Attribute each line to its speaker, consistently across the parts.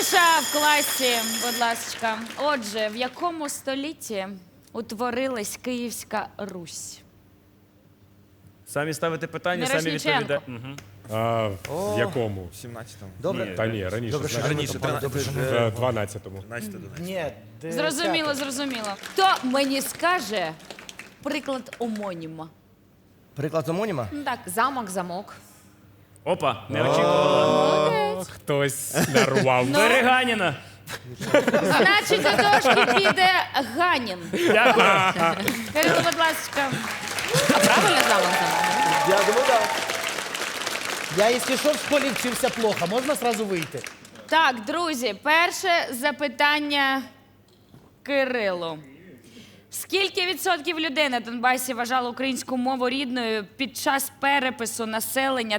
Speaker 1: Тиша в класі, будь ласка. Отже, в якому столітті утворилась Київська Русь?
Speaker 2: Самі ставите питання, самі
Speaker 1: Мірошниченко.
Speaker 2: відповідаєте.
Speaker 3: В якому?
Speaker 4: 17-му.
Speaker 3: Добре. Та ні, раніше.
Speaker 4: Добре, що
Speaker 3: знаєш,
Speaker 4: раніше.
Speaker 3: в 12-му.
Speaker 4: 12-11.
Speaker 5: Ні,
Speaker 1: Зрозуміло, зрозуміло. Хто мені скаже приклад омоніма?
Speaker 5: Приклад омоніма?
Speaker 1: Так,
Speaker 6: Замок, замок.
Speaker 2: Опа, не очікувала.
Speaker 1: молодець.
Speaker 3: Хтось нарвав.
Speaker 2: Береганіна.
Speaker 1: Значить, до дошки піде Ганін.
Speaker 2: Дякую.
Speaker 1: Скажіть, будь ласка.
Speaker 6: А правильно замок, замок?
Speaker 5: Я думаю, так.
Speaker 7: Я, якщо що, в школі вчився плохо, можна сразу вийти?
Speaker 1: Так, друзі, перше запитання Кирилу. Скільки відсотків людей на Донбасі вважали українську мову рідною під час перепису населення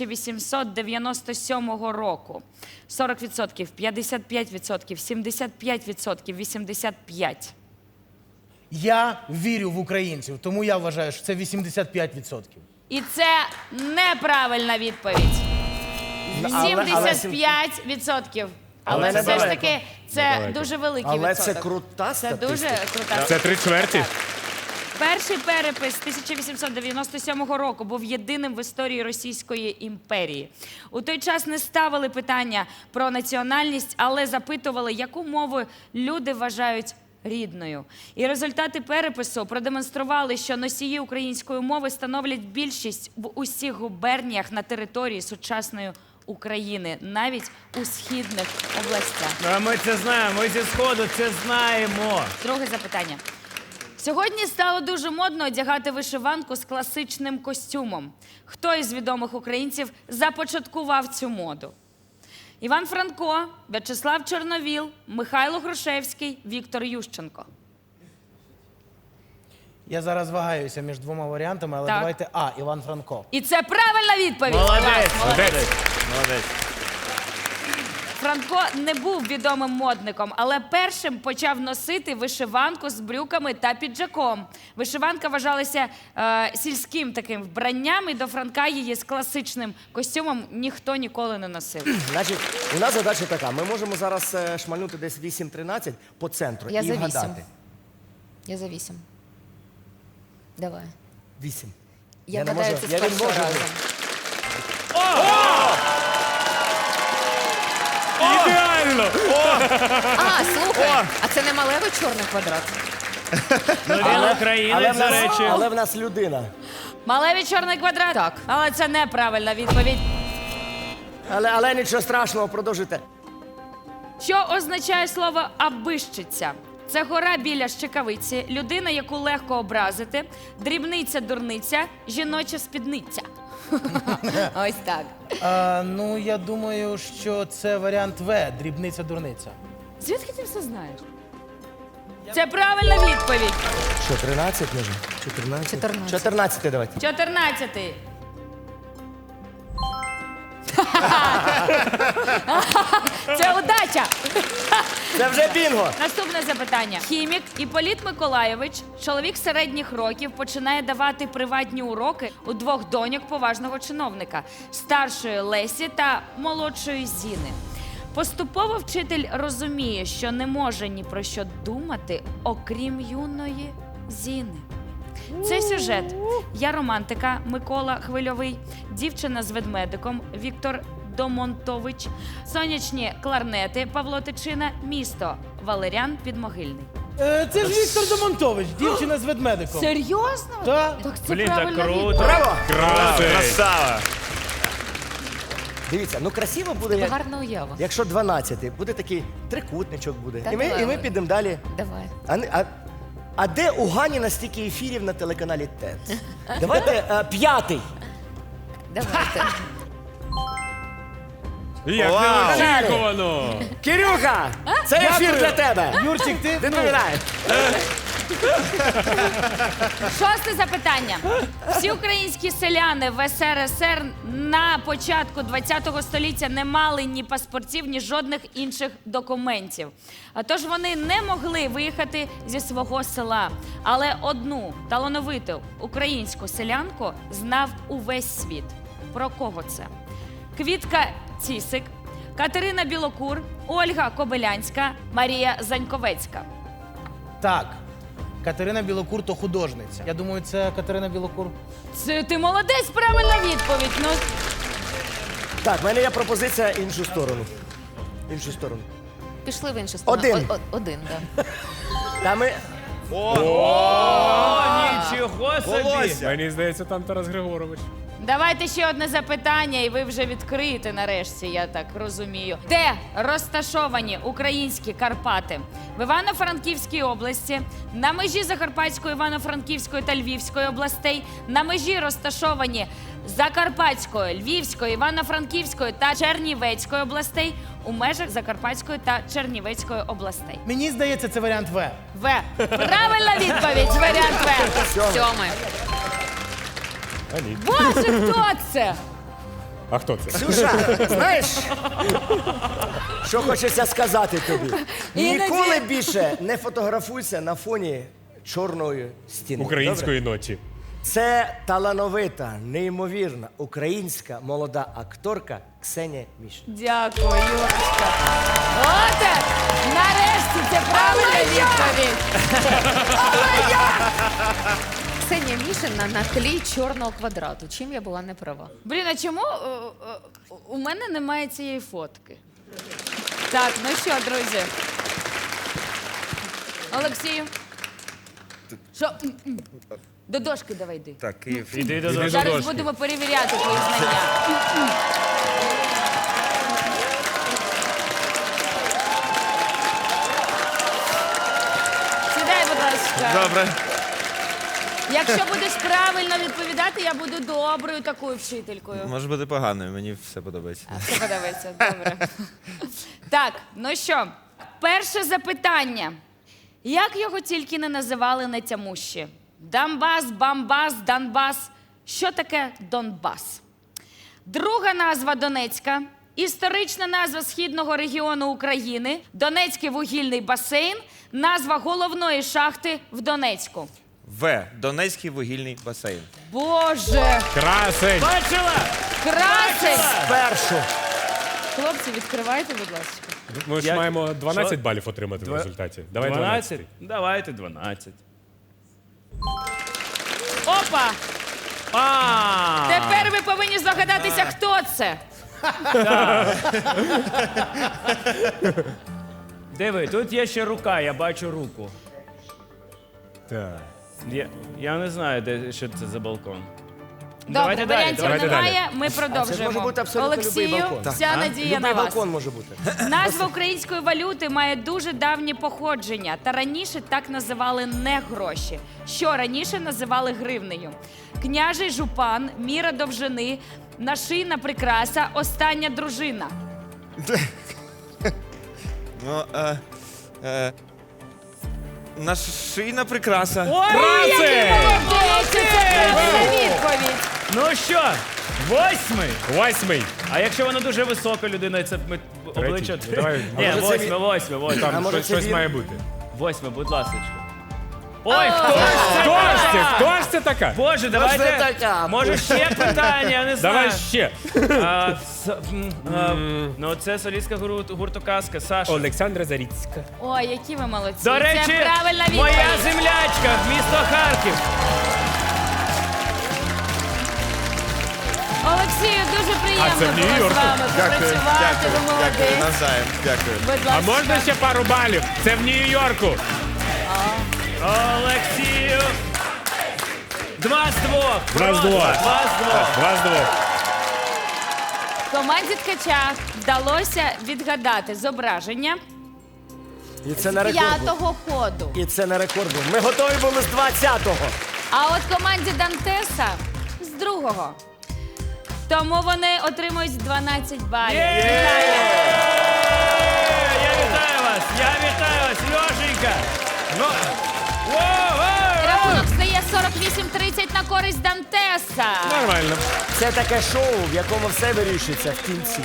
Speaker 1: 1897 року? 40%, 55%, 75%, 85%.
Speaker 7: Я вірю в українців, тому я вважаю, що це 85%.
Speaker 1: І це неправильна відповідь. 75%. Але
Speaker 5: Але
Speaker 1: все ж
Speaker 5: недалеко.
Speaker 1: таки це дуже великий
Speaker 5: Але
Speaker 1: відсоток.
Speaker 5: це крута
Speaker 1: Це дуже
Speaker 5: статистика.
Speaker 1: крута.
Speaker 3: Це 3/4?
Speaker 1: Перший перепис 1897 року був єдиним в історії Російської імперії. У той час не ставили питання про національність, але запитували, яку мову люди вважають рідною. І результати перепису продемонстрували, що носії української мови становлять більшість в усіх губерніях на території сучасної України, навіть у східних областях.
Speaker 2: А ми це знаємо, ми зі Сходу це знаємо.
Speaker 1: Друге запитання. Сьогодні стало дуже модно одягати вишиванку з класичним костюмом. Хто із відомих українців започаткував цю моду? Іван Франко, В'ячеслав Чорновіл, Михайло Грушевський, Віктор Ющенко.
Speaker 7: Я зараз вагаюся між двома варіантами, але
Speaker 1: Так.
Speaker 7: давайте А, Іван Франко.
Speaker 1: І це правильна відповідь.
Speaker 2: Молодець,
Speaker 1: Клас,
Speaker 2: молодець. Молодець.
Speaker 1: Франко не був відомим модником, але першим почав носити вишиванку з брюками та піджаком. Вишиванка вважалася сільським таким вбранням, і до Франка її з класичним костюмом ніхто ніколи не носив.
Speaker 5: Значить, у нас задача така. Ми можемо зараз шмальнути десь 8-13 по центру
Speaker 6: Я
Speaker 5: і
Speaker 6: за 8.
Speaker 5: вгадати.
Speaker 6: Я за 8. Давай.
Speaker 5: 8.
Speaker 6: Я
Speaker 5: не
Speaker 6: гадаю,
Speaker 5: можу-
Speaker 6: це
Speaker 5: я
Speaker 6: з
Speaker 5: не
Speaker 6: першого
Speaker 5: можу.
Speaker 6: разу.
Speaker 3: Ідеально!
Speaker 6: А, слухай, а це не малевий чорний квадрат?
Speaker 2: Ну він українець, до речі.
Speaker 5: Але в нас людина.
Speaker 1: Малевий чорний квадрат?
Speaker 6: Так.
Speaker 1: Але це неправильна відповідь.
Speaker 5: Але нічого страшного, продовжуйте.
Speaker 1: Що означає слово «абищиця»? Це гора біля Щекавиці, людина, яку легко образити, дрібниця-дурниця, жіноча спідниця.
Speaker 6: Ось так.
Speaker 7: Ну, я думаю, що це варіант В, дрібниця-дурниця.
Speaker 1: Звідки ти все знаєш? Це правильна відповідь.
Speaker 5: Що, 13 може? 14?
Speaker 6: 14.
Speaker 5: 14 давайте.
Speaker 1: 14-й. Це удача.
Speaker 5: Це вже бінго.
Speaker 1: Наступне запитання. Хімік Іпполіт Миколайович, чоловік середніх років, починає давати приватні уроки у двох доньок поважного чиновника – старшої Лесі та молодшої Зіни. Поступово вчитель розуміє, що не може ні про що думати, окрім юної Зіни. Це сюжет. Я романтика Микола Хвильовий, дівчина з ведмедиком Віктор Домонтович, сонячні кларнети Павло Тичина, місто Валеріан Підмогильний.
Speaker 7: Це ж Віктор Домонтович, дівчина з ведмедиком.
Speaker 1: Серйозно?
Speaker 7: Так.
Speaker 1: Так це
Speaker 2: Блін, так
Speaker 1: правильна
Speaker 2: круто.
Speaker 1: відповідь.
Speaker 5: Браво!
Speaker 2: Красава.
Speaker 5: Дивіться, ну красиво буде,
Speaker 6: Тебе
Speaker 5: як,
Speaker 6: гарна уява.
Speaker 5: якщо 12. Буде такий трикутничок буде.
Speaker 6: Та
Speaker 5: І ми
Speaker 6: давай.
Speaker 5: підемо далі.
Speaker 6: Давай.
Speaker 5: А де у Ганіна стільки ефірів на телеканалі ТЕТ? Давайте 5-й.
Speaker 6: Давайте.
Speaker 3: Як неочікувано!
Speaker 5: Кирюха, це ефір для тебе.
Speaker 7: Юрчик, ти?
Speaker 5: Відповідай.
Speaker 1: Шосте запитання. Всі українські селяни в СРСР на початку ХХ століття не мали ні паспортів, ні жодних інших документів. А тож вони не могли виїхати зі свого села. Але одну талановиту українську селянку знав увесь світ. Про кого це? Квітка Цісик, Катерина Білокур, Ольга Кобилянська, Марія Заньковецька.
Speaker 7: Так. Катерина Білокур то художниця. Я думаю, це Катерина Білокур.
Speaker 1: Це ти молодець, правильна відповідь. Ну,
Speaker 5: Так, в мене є пропозиція іншу сторону. Іншу сторону.
Speaker 6: Пішли в іншу сторону.
Speaker 5: Один.
Speaker 6: Один, так.
Speaker 5: Та ми...
Speaker 2: О, нічого собі.
Speaker 3: Мені здається, там Тарас Григорович.
Speaker 1: давайте ще одне запитання, і ви вже відкриєте нарешті, я так розумію. Де розташовані українські Карпати? В Івано-Франківській області, на межі Закарпатської, Івано-Франківської та Львівської областей, на межі розташовані Закарпатської, Львівської, Івано-Франківської та Чернівецької областей, у межах Закарпатської та Чернівецької областей.
Speaker 7: Мені здається, це варіант В.
Speaker 1: В. Правильна відповідь, варіант В.
Speaker 6: Сьомий.
Speaker 3: А ні.
Speaker 1: Боже, хто це?
Speaker 3: А хто це?
Speaker 5: Ксюша, знаєш, що хочеться сказати тобі?
Speaker 1: Іноді-
Speaker 5: Ніколи більше не фотографуйся на фоні чорної стіни.
Speaker 3: Української ночі.
Speaker 5: Добре? Це талановита, неймовірна українська молода акторка Ксенія Мішин.
Speaker 1: Дякую, Юрочка. Оте, нарешті, це правильна відповідь.
Speaker 6: Ксенія Мішина на тлі чорного квадрату. Чим я була не права?
Speaker 1: Блін, а чому у мене немає цієї фотки? Так, ну що, друзі? Олексію? Що? До дошки давай йди.
Speaker 4: Так, Київ.
Speaker 2: Іди до
Speaker 3: Іди
Speaker 2: дошки.
Speaker 3: до
Speaker 1: Зараз
Speaker 3: дошки.
Speaker 1: будемо перевіряти твої знання. Сідай, будь ласка.
Speaker 4: Добре.
Speaker 1: Якщо будеш правильно відповідати, я буду доброю такою вчителькою.
Speaker 4: Може бути поганою, мені все подобається.
Speaker 1: Все подобається, добре. Так, ну що, перше запитання. Як його тільки не називали нетямущі? Донбас, Бамбас, Донбас. Що таке Донбас? Друга назва Донецька. Історична назва східного регіону України. Донецький вугільний басейн. Назва головної шахти в Донецьку.
Speaker 4: В. Донецький вугільний басейн.
Speaker 1: Боже,
Speaker 3: Красень!
Speaker 2: Бачила?
Speaker 1: красень!
Speaker 5: Першу.
Speaker 1: Хлопці, відкривайте, будь ласка.
Speaker 3: Ми ж
Speaker 2: Я-
Speaker 3: маємо 12
Speaker 2: Що?
Speaker 3: балів отримати в результаті. Давай
Speaker 2: 12? Давайте 12.
Speaker 1: Опа!
Speaker 2: А,
Speaker 1: Тепер ви повинні здогадатися, хто це.
Speaker 2: диви, тут є ще рука, я бачу руку.
Speaker 3: Так.
Speaker 2: Я не знаю, що це за балкон.
Speaker 1: Добре,
Speaker 2: Давайте далі,
Speaker 1: варіантів
Speaker 3: давайте
Speaker 1: немає, ми
Speaker 5: Це ж
Speaker 1: продовжуємо.
Speaker 5: може бути абсолютно любий
Speaker 1: Олексію,
Speaker 5: балкон.
Speaker 1: вся надія на
Speaker 5: Любий
Speaker 1: вас.
Speaker 5: балкон може бути.
Speaker 1: Назва української валюти має дуже давнє походження, та раніше так називали не гроші. Що раніше називали гривнею? Княжий жупан, міра довжини, нашийна прикраса, остання дружина.
Speaker 4: Ну, нашийна прикраса.
Speaker 3: Красень!
Speaker 1: Молодець, це правильна відповідь.
Speaker 2: Ну що, 8?
Speaker 3: 8.
Speaker 2: А якщо вона дуже висока людина, це обличчя.
Speaker 3: Ну, давай.
Speaker 2: Ні,
Speaker 5: А може це
Speaker 2: 8.
Speaker 5: А
Speaker 3: Там
Speaker 5: може це
Speaker 3: щось
Speaker 5: він?
Speaker 3: має бути.
Speaker 2: 8, будь ласка. Ой, хто ж це?
Speaker 3: Хто ж це? Хто ж це така?
Speaker 2: Боже,
Speaker 5: це
Speaker 2: давайте.
Speaker 5: така?
Speaker 2: Може ще питання, я не знаю.
Speaker 3: Давай ще.
Speaker 2: Ну, це солістка гурту Казка, Саша.
Speaker 3: Олександра Заріцька.
Speaker 1: Ой, які ви молодці.
Speaker 2: До речі,
Speaker 1: це правильна відповідь.
Speaker 2: моя землячка, місто Харків.
Speaker 1: Олексію, дуже приємно
Speaker 3: А це в
Speaker 1: було з
Speaker 3: Нью-Йорку?
Speaker 1: вами попрацювати. Ви молодець.
Speaker 4: Навзаєм. Дякую.
Speaker 1: Будь
Speaker 3: А
Speaker 1: ласка.
Speaker 3: можна ще пару балів? Це в Нью-Йорку.
Speaker 2: Олексію. 2 з 2.
Speaker 3: 2 з 2.
Speaker 2: 2 з 2.
Speaker 3: 2 з 2.
Speaker 1: Команді Ткача вдалося відгадати зображення
Speaker 5: І це на рекорд. був.
Speaker 1: п'ятого ходу.
Speaker 5: І це на рекорд був. Ми готові були з 20-го.
Speaker 1: А от команді Дантеса з другого. Тому вони отримують 12 балів. Вітаю!
Speaker 2: Я вітаю вас, Льошенька. Ну,
Speaker 1: Рахунок стає 48-30 на користь Дантеса.
Speaker 3: Нормально.
Speaker 5: Це таке шоу, в якому все вирішується в кінці.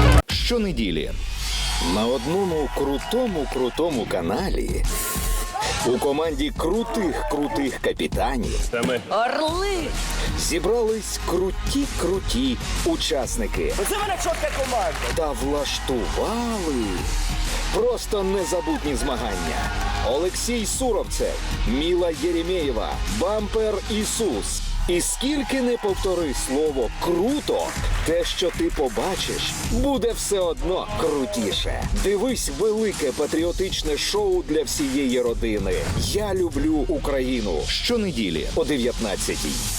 Speaker 8: Щонеділі на одному крутому каналі У команді крутих капітанів
Speaker 2: Це ми.
Speaker 1: Орли!
Speaker 8: зібрались круті учасники
Speaker 5: Оце в мене чітка команда.
Speaker 8: та влаштували просто незабутні змагання. Олексій Суровцев, Міла Єремєєва, Бампер Ісус. І скільки не повтори слово «круто», те, що ти побачиш, буде все одно крутіше. Дивись велике патріотичне шоу для всієї родини. Я люблю Україну. Щонеділі о 19-й.